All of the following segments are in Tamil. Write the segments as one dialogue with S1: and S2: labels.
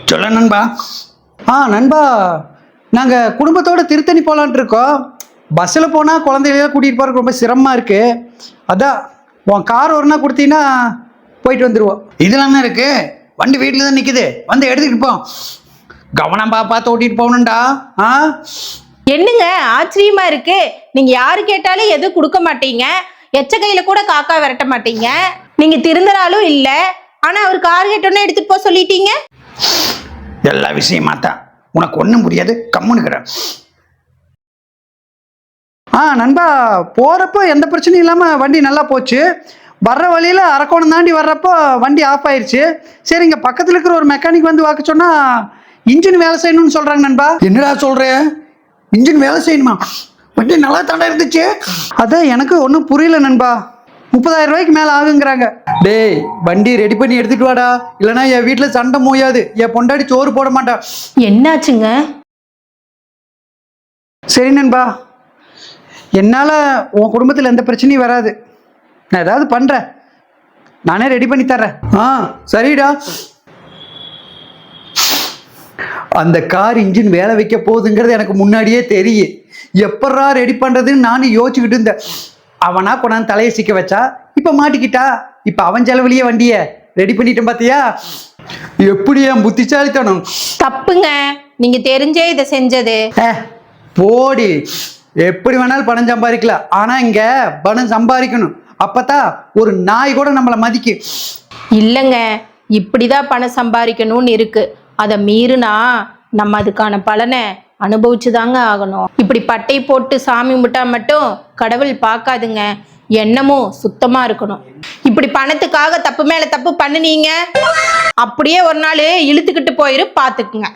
S1: சொல்ல நண்பா.
S2: நண்பா, நாங்கள் குடும்பத்தோடு திருத்தணி போகலான்ட்டு இருக்கோம். பஸ்ஸில் போனால் குழந்தைகள கூட்டிகிட்டு போகிறதுக்கு ரொம்ப சிரமமாக இருக்குது. அதான் உன் கார் ஒரு நாள் கொடுத்தீங்கன்னா போயிட்டு வந்துடுவோம்.
S1: இதெல்லாம் என்ன இருக்கு? வண்டி வீட்டில் தான் நிற்குது, வந்து எடுத்துக்கிட்டு போ. கவனம் பார்த்து ஓட்டிட்டு போகணும்டா.
S3: என்னங்க ஆச்சரியமா இருக்கு? நீங்க யாரு கேட்டாலும் எதுவும் கொடுக்க மாட்டீங்க, எச்ச கையில கூட காக்கா விரட்ட மாட்டீங்க. நீங்க திருந்தறாலும் இல்ல, ஆனா அவர் கார் கேட்டோன்னே எடுத்துட்டு போக சொல்லிட்டீங்க.
S1: எல்லா விஷயமா தான், உனக்கு ஒன்றும் புரியாது, கம்முனுக்கிறேன்.
S2: நண்பா, போகிறப்போ எந்த பிரச்சனையும் இல்லாமல் வண்டி நல்லா போச்சு. வர்ற வழியில் அரக்கோணம் தாண்டி வர்றப்போ வண்டி ஆஃப் ஆயிடுச்சு. சரி, இங்கே பக்கத்தில் இருக்கிற ஒரு மெக்கானிக் வந்து வாக்க சொன்னால் இன்ஜின் வேலை செய்யணும்னு சொல்கிறாங்க நண்பா.
S1: என்னடா சொல்கிற? இன்ஜின் வேலை செய்யணுமா? வண்டி நல்லா தாண்டா இருந்துச்சு.
S2: அதான் எனக்கு ஒன்றும் புரியல நண்பா. 30,000 ரூபாய்க்கு மேலே ஆகுங்கிறாங்க. டேய், வண்டி ரெடி பண்ணி எடுத்துட்டு வாடா, இல்லைனா என் வீட்டில் சண்டை மூயாது, என் பொண்டாடி சோறு போட மாட்டா.
S3: என்னாச்சுங்க?
S2: சரி நண்பா, என்னால் உன் குடும்பத்தில் எந்த பிரச்சனையும் வராது. நான் ஏதாவது பண்ணுறேன், நானே ரெடி பண்ணி தர்றேன். சரிடா. அந்த கார் இன்ஜின் வேலை வைக்க போகுதுங்கிறது எனக்கு முன்னாடியே தெரியும். எப்படா ரெடி பண்ணுறதுன்னு நானும் யோசிச்சுக்கிட்டு இருந்தேன். அவனா கொண்டாந்து தலையை சிக்க வச்சா, இப்போ மாட்டிக்கிட்டா. இப்போ அவன் செலவுலையே வண்டியை ரெடி பண்ணிட்டேன். பார்த்தியா எப்படி என் புத்திசாலித்தனம்?
S3: தப்புங்க, நீங்க தெரிஞ்சே இதை செஞ்சது.
S2: போடி, எப்படி வேணாலும் பணம் சம்பாதிக்கலாம், ஆனா இங்க பணம் சம்பாதிக்கணும். அப்பதான் ஒரு நாய் கூட நம்மளை மதிக்கும்.
S3: இல்லைங்க, இப்படிதான் பணம் சம்பாதிக்கணும்னு இருக்கு. அதை மீறினா நம்ம அதுக்கான பலனை அனுபவிச்சுதாங்க ஆகணும். இப்படி பட்டை போட்டு சாமி முட்டா மட்டும் கடவுள் பார்க்காதுங்க, எண்ணமும் சுத்தமா இருக்கணும். இப்படி பணத்துக்காக தப்பு மேல தப்பு பண்ணுனீங்க, அப்படியே ஒரு நாள் இழுத்துக்கிட்டு போயிரு, பாத்துக்குங்க.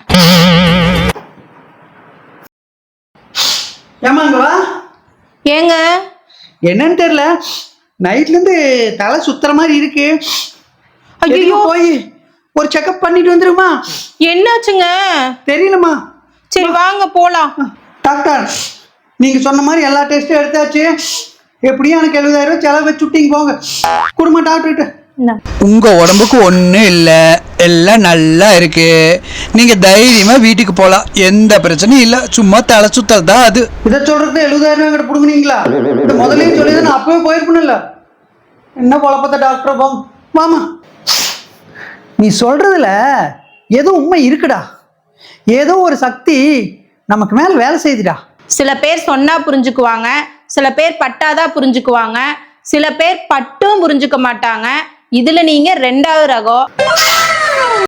S2: ஏமாங்கவா?
S3: ஏங்க
S2: என்னன்னு தெரியல, நைட்ல இருந்து தலை சுத்துற மாதிரி இருக்கு.
S3: ஐயோ,
S2: போய் ஒரு செக்அப் பண்ணிட்டு வந்துருமா?
S3: என்னாச்சுங்க?
S2: தெரியலமா.
S3: சரி வாங்க போலாம்.
S2: டாக்டர், நீங்க சொன்ன மாதிரி எல்லா டெஸ்டும் எடுத்தாச்சு. எப்படியும் எனக்கு 70,000 ரூபாய் செலவு வச்சு விட்டீங்க, போங்க குடும்ப டாக்டர்கிட்ட.
S4: உங்க உடம்புக்கு ஒன்றும் இல்லை, எல்லாம் நல்லா இருக்கு. நீங்க தைரியமா வீட்டுக்கு போகலாம், எந்த பிரச்சனையும் இல்லை. சும்மா தலை சுத்தல் தான் அது.
S2: இதை சொல்றது 70,000 ரூபாய் கிட்ட பிடுங்குனீங்களா? இந்த முதலையும் சொல்லி நான் அப்பவே போயிருப்பேன்ல. என்ன குழப்பத்த டாக்டர், போங்க வாமா. நீ சொல்றதுல ஏதோ உண்மை இருக்குடா. ஏதோ ஒரு சக்தி நமக்கு மேல வேலை செய்யுதுடா.
S3: சில பேர் சொன்னா புரிஞ்சுக்குவாங்க, சில பேர் பட்டாதான் புரிஞ்சுக்குவாங்க, சில பேர் பட்டும் புரிஞ்சுக்க மாட்டாங்க. இதுல நீங்க 2வது ரகம்.